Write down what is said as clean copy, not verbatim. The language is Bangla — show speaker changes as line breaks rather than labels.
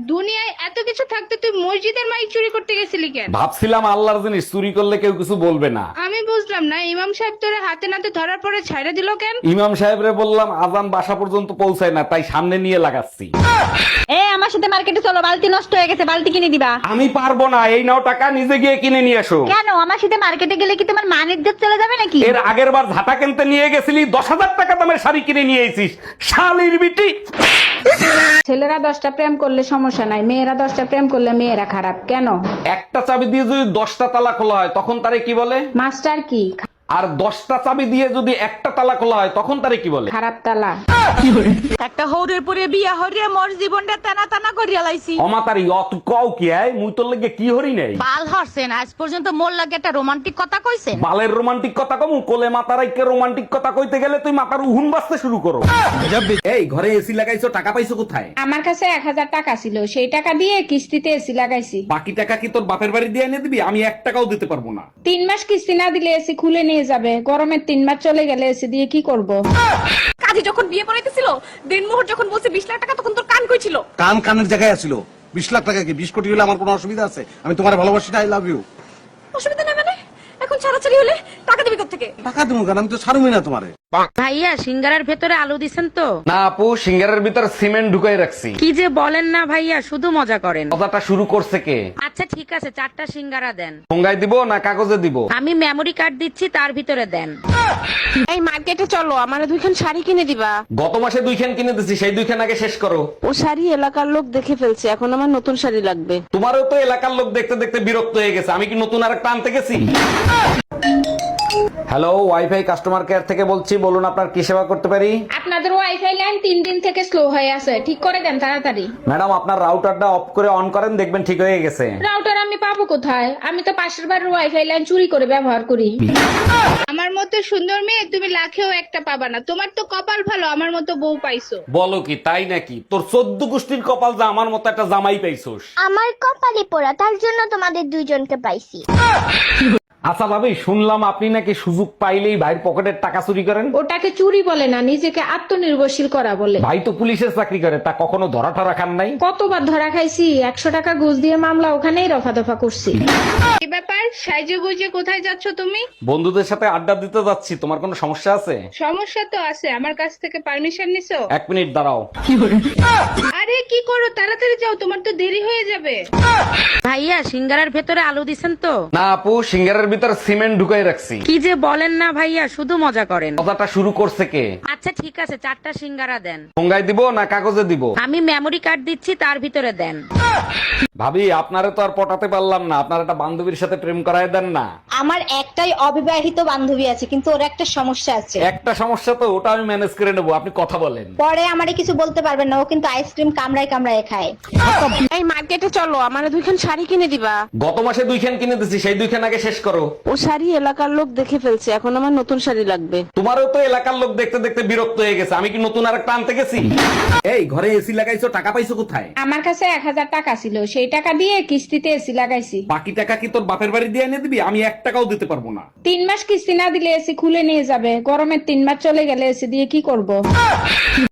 দুনিয়ায় এত কিছু থাকতে তুই মসজিদের মাইক চুরি করতে গেছিলি কেন?
ভাবছিলাম আল্লাহর জিনিস চুরি করলে কেউ কিছু বলবে না।
আমি বুঝলাম না, ইমাম সাহেব তোরে হাতে নাতে ধরার পরে ছাইড়া দিল কেন?
ইমাম সাহেবরে বললাম আজান বাসা পর্যন্ত পৌঁছায় না, তাই সামনে নিয়ে লাগাচ্ছি।
আমার সাথে মার্কেটে চলো, বালতি নষ্ট হয়ে গেছে, বালতি কিনে দিবা।
আমি পারবো না, এই নাও টাকা, নিজে গিয়ে কিনে নিয়ে এসো।
কেন? আমার সাথে মার্কেটে গেলে কি তোমার মান ইজ্জত চলে যাবে নাকি?
এর আগের বার ঝাঁটা কিনতে নিয়ে গেছিলি, 10,000 টাকা দামের শাড়ি কিনে নিয়ে এসিস, শালির বিটি।
ছেলেরা 10টা প্রেম করলে সমস্যা নাই, মেয়েরা 10টা প্রেম করলে মেয়েরা খারাপ কেন?
একটা চাবি দিয়ে যদি 10টা তালা খোলা হয় তখন তারে কি বলে?
মাস্টার কি?
আর 10টা চাবি দিয়ে যদি একটা তালা খোলা হয় তখন তারে কি বলে?
খারাপ তালা।
একটা হৌরের পরে বিয়া হরিয়া মোর জীবনটা টানা টানা করিয়া লাইছি।
অমাতারি অত কও কি আয়, মুই তোর লাগে কি হরি নাই?
বাল হরছেন, আজ পর্যন্ত মোর লাগে একটা রোমান্টিক কথা কইছেন?
বালের রোমান্টিক কথা কমু, কোলে মাতারাইকে রোমান্টিক কথা কইতে গেলে তুই মাথার উহুন বাজতে শুরু করো। এই ঘরে এসি লাগাইছো, টাকা পাইছো কোথায়?
আমার কাছে 1000 টাকা ছিল, সেই টাকা দিয়ে কিস্তিতে এসি লাগাইছি।
বাকি টাকা কি তোর বাপের বাড়ি দিয়ে এনে দিবি? আমি 1 টাকাও দিতে পারবো না।
3 মাস কিস্তি না দিলে এসি খুলে নিয়ে যাবে, গরমের 3 মাস চলে গেলে এসি দিয়ে কি করব?
কাজী যখন বিয়ে পড়াইতেছিল, দিনমোহর যখন বলছে 20 লাখ টাকা, তখন তোর কান কই ছিল?
কান কানের জায়গায় আছিল। 20 লাখ টাকা কি 20 কোটি হলে আমার কোনো অসুবিধা আছে? আমি তোমার ভালোবাসি, আই লাভ ইউ।
অসুবিধা নেই মানে? এখন ছাড়াছাড়ি হলে টাকা দিবি কোত্থেকে?
টাকা দেবো কেন? আমি তো ছাড়ুই না তোমারে।
ভাইয়া সিঙ্গারার ভেতরে আলু দিছেন তো?
না আপু, সিঙ্গারের ভিতর সিমেন্ট ঢুকাই রাখছি।
কি যে বলেন না ভাইয়া, শুধু মজা করেন।
কথাটা শুরু করছে কে?
আচ্ছা ঠিক আছে, 4টা সিঙ্গারা দেন।
ঠোঙ্গায় দিব না কাগজে দিব?
আমি মেমরি কার্ড দিচ্ছি, তার ভিতরে দেন।
এই মার্কেটে চলো, আমার 2খান শাড়ি কিনে দিবা।
গত মাসে 2খান কিনে দিছি, সেই 2খান আগে শেষ করো।
ও শাড়ি এলাকার লোক দেখে ফেলছে, এখন আমার নতুন শাড়ি লাগবে।
তোমারও তো এলাকার লোক দেখতে দেখতে বিরক্ত হয়ে গেছে, আমি কি নতুন আর একটা আনতে গেছি? হ্যালো, ওয়াইফাই কাস্টমার কেয়ার থেকে বলছি, বলুন আপনার কি সেবা করতে পারি?
আপনাদের ওয়াইফাই লাইন 3 দিন থেকে স্লো হয়ে আছে, ঠিক করে দেন তাড়াতাড়ি।
ম্যাডাম আপনার রাউটারটা অফ করে অন করেন, দেখবেন ঠিক হয়ে গেছে।
রাউটার আমি পাবো কোথায়? আমি তো পাশের বাড়ির ওয়াইফাই লাইন চুরি করে ব্যবহার করি। আমার মতো সুন্দর মেয়ে তুমি লাখেও একটা পাবা না। তোমার তো কপাল ভালো, আমার মতো বউ পাইছো।
বলো কি, তাই নাকি? তোর 14 গোষ্ঠীর কপাল যা আমার মতো একটা জামাই পাইছোস।
আমার কপালে পোড়া, তার জন্য তোমাদের দুইজনকে পাইছি।
আচ্ছা ভাবি, শুনলাম আপনি নাকি সুযোগ পাইলেই ভাইয়ের পকেটের টাকা চুরি করেন।
ওটাকে চুরি বলে না, নিজেকে আত্মনির্ভরশীল করা বলে।
ভাই তো পুলিশের চাকরি করে, তা কখনো ধরা ঠরা খান নাই?
কতবার ধরা খাইছি, 100 টাকা ঘুষ দিয়ে মামলা ওখানেই রফা দফা করছি। কি ব্যাপার, সাইজে গুজে কোথায় যাচ্ছ তুমি?
বন্ধুদের সাথে আড্ডা দিতে যাচ্ছি, তোমার কোনো সমস্যা আছে?
সমস্যা তো আছে, আমার কাছ থেকে পারমিশন নিছো?
1 মিনিট দাঁড়াও।
আরে কি করো, তাড়াতাড়ি যাও, তোমার তো দেরি হয়ে যাবে।
ভাইয়া সিঙ্গারার ভেতরে আলু দিছেন তো?
না আপু, সিঙ্গারের ভিতর সিমেন্ট ঢুকাই রাখছি।
কি যে বলেন না ভাইয়া, শুধু মজা করেন।
কথাটা শুরু করছে কে?
আচ্ছা ঠিক আছে, 4টা সিঙ্গারা দেন।
ঠোঙ্গায় দিব না কাগজে দিব?
আমি মেমরি কার্ড দিচ্ছি, তার ভিতরে দেন।
ভাবি আপনারে তো আর পটাতে পারলাম না, আপনার একটা বান্ধবীর সাথে প্রেম করায় দেন না।
আমার একটাই অবিবাহিত বান্ধবী আছে, কিন্তু ওর একটা সমস্যা আছে।
একটা সমস্যা তো, ওটা আমি ম্যানেজ করে নেবো, আপনি কথা বলেন।
পরে আমারে কিছু বলতে পারবেন না, ও কিন্তু আইসক্রিম কামড়ায় কামড়ায় খায়।
এই মার্কেটে চলো, আমার 2খান শাড়ি কিনে দিবা।
গত মাসে 2খান কিনে দিছি, সেই 2খান আগে শেষ করো।
ও শাড়ি এলাকার লোক দেখে ফেলছে, এখন আমার নতুন শাড়ি লাগবে।
তোমারও তো এলাকার লোক দেখতে দেখতে বিরক্ত হয়ে গেছে, আমি কি নতুন আর একটা আনতে গেছি? এই ঘরে এসি লাগাইছো, টাকা পাইছো কোথায়?
আমার কাছে 1000 টাকা ছিল, সেই টাকা দিয়ে কিস্তিতে এসি লাগাইছি।
বাকি টাকা কি তোর বাপের বাড়ি দিয়ে এনে দিবি? আমি 1 টাকাও দিতে পারবো না।
3 মাস কিস্তি না দিলে এসি খুলে নিয়ে যাবে, গরমের 3 মাস চলে গেলে এসি দিয়ে কি করব?